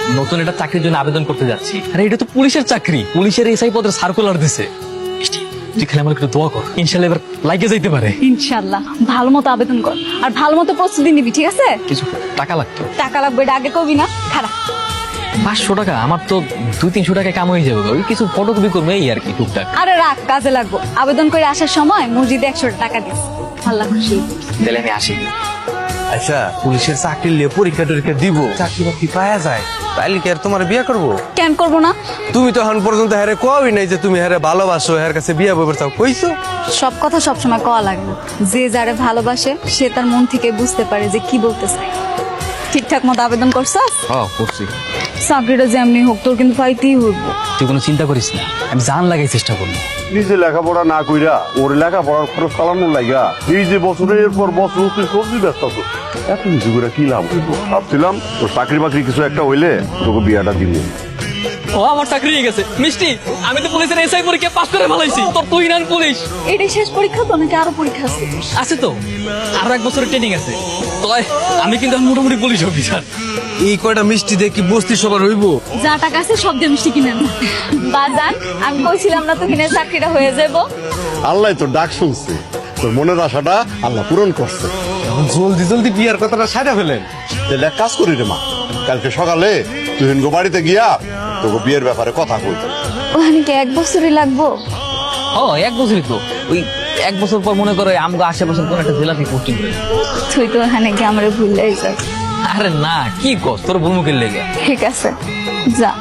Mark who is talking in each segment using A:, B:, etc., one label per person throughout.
A: নতুন একটা চাকরির জন্য আবেদন করতে যাচ্ছি। আরে এটা তো পুলিশের চাকরি, পুলিশের এসআই পদের সার্কুলার দিছে। তুই খালি আমার একটু দোয়া কর, ইনশাল্লাহ এবার লাইকে যাইতে পারে।
B: ইনশাল্লাহ ভালো মতো আবেদন কর আর ভালো মতো প্রস্তুতি নিবি, ঠিক আছে?
A: কিছু টাকা লাগতো।
B: টাকা লাগবে, এটা আগে কবি না, খারাপ।
A: 500 টাকা? আমার তো 200-300 টাকা কাম হয়ে যাবে। ওই কিছু ফটোকপি করবো এই আর কি, টুকটাক।
B: আরে রাখ, কাজে লাগবো। আবেদন করে আসার সময় মসজিদে 100 টাকা দিস, আল্লাহ খুশি।
A: তাহলে আমি আসি।
C: আচ্ছা, পুলিশের চাকরি নিয়ে পরীক্ষা টরীক্ষা দিব, চাকরি বাকরি পাওয়া যায়, তাইলে কি আর তোমার বিয়ে করবো?
B: কেন করবো না?
C: তুমি তো এখন পর্যন্ত হ্যারে কবি নাই যে তুমি হ্যারে ভালোবাসো, হ্যার কাছে বিয়ে বইবার চাও, কইছো?
B: সব কথা সবসময় কওয়া লাগে না। যে যারে ভালোবাসে সে তার মন থেকে বুঝতে পারে যে কি বলতে চায়। ঠিকঠাক মতো আবেদন করছস?
A: হ্যাঁ করছি।
B: চাকরিটা যেমনি হোক তোর কিন্তু পাইতেই হইব।
A: তুই কোনো চিন্তা করিস না, আমি জান লাগাই চেষ্টা করবো।
D: নিজে লেখাপড়া না কইরা ওর লেখাপড়ার খরচ চালানোর লাগিয়া এই যে বছরের পর বছর তুই সবজি ব্যস্ত আছো, এত কিছু করে কি লাভ? ভাবছিলাম তোর চাকরি বাকরি কিছু একটা হইলে তোকে বিয়াটা দিব।
A: ও আমার চাকরি হয়ে গেছে মিষ্টি, আমি তো পুলিশের এসআই পরীক্ষা পাস করে ভালাইছি। তোর তুই নান পুলিশ।
B: এটাই শেষ পরীক্ষা তো নাকি আরো পরীক্ষা আছে?
A: আছে তো, আরো 1 বছরের ট্রেনিং আছে। তয় আমি কিন্তু এখন মোটামুটি পুলিশ অফিসার।
C: এই কয়টা মিষ্টি দিয়ে কি বস্তি সবার হইব?
B: যা টাকা আছে সব দিয়ে মিষ্টি কিনেন না। বাজান, আমি কইছিলাম না তো কিনে চাকরিটা হয়ে যাবো।
D: আল্লাহ তোর ডাক শুনছে, তোর মনের আশাটা আল্লাহ পূরণ করছে।
C: এখন জলদি জলদি বিয়ার কথাটা সাইডা ফেলেন।
D: তাহলে এক কাজ করি রে মা, কালকে সকালে তুই হিনগো বাড়িতে গিয়া তোকে বিয়ের ব্যাপারে কথা কই।
B: ওখানে কি 1 বছরই লাগবো?
A: ও 1 বছরই তো, ওই 1 বছর পর মনে করো আমগো আশেপাশে কোন একটা জেলাতে পোস্টিং করে।
B: তুই তো ওখানে কি আমার ভুলেই যাস।
A: আরে না, কি কস, তোর ভূমুখের লেগে।
B: ঠিক আছে, যা।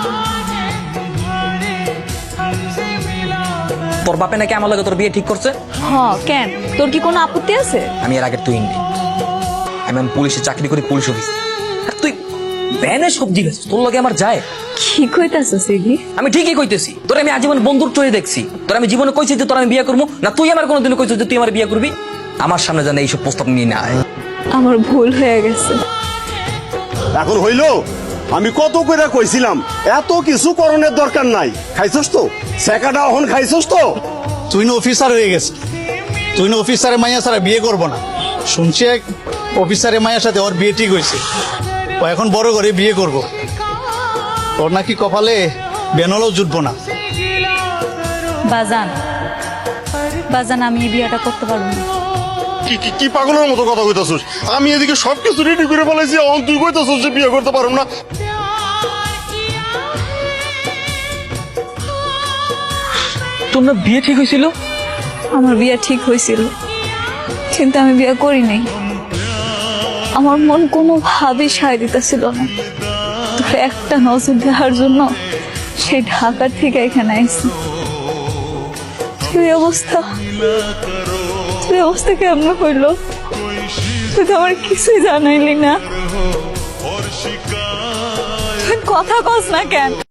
A: তোর বাপে নাকি আমার লাগে তোর বিয়ে ঠিক করছে?
B: হ, কেন? তোর কি কোনো আপত্তি আছে?
A: আমি এর আগে তুই নেই, আমি পুলিশে চাকরি করি, পুলিশ অফিস। আর তুই ভ্যানে সবজি বেছিস, তোর লগে আমার যায়?
B: কি কইতাছিস এগি?
A: আমি ঠিকই কইতেছি, তোর আমি আজীবন বন্ধুর চোখে দেখছি। তোর আমি জীবনে কইছি যে তোর আমি বিয়ে করবো না, তুই আমার কোনোদিন কইছিস যে তুই আমার বিয়ে করবি? আমার সামনে জানে এইসব প্রস্তাব নিয়ে না আয়।
B: আমার ভুল হয়ে গেছে।
D: এখন হইলো, আমি কত করে কইছিলাম এত কিছু করণের দরকার নাই। খাইছস তো সেকাটা, এখন খাইছস তো।
E: তুই না অফিসার হয়ে গেছে, তুই না অফিসারের মাইয়া ছাড়া বিয়ে করবো না। শুনছি এক অফিসারের মাইয়ার সাথে ওর বিয়ে ঠিক হয়েছে, ও এখন বড় করে বিয়ে করব। ওর নাকি কপালে বেনলও জুটবো না।
B: বাজান, বাজান, আমি এই বিয়েটা করতে পারবো না।
D: কি কি কি পাগলের মতো কথা কইতাছস? আমি এদিকে সবকিছু রেডি করে ফেলাইছি, এখন তুই কইতাছস যে বিয়ে করতে পারব না।
A: তোর না বিয়ে ঠিক হয়েছিল?
B: আমার বিয়ে ঠিক হয়েছিল, কিন্তু আমি বিয়ে করি নাই। আমার মন কোনোভাবেই সায় দিতেছিল না। তোর একটা নজর দেওয়ার জন্য সেই ঢাকার থেকে এখানে আইসি। তুই অবস্থা কেমন হইলো? তুই তো আমার কিছুই জানাইলি না। তুই কথা কস না কেন?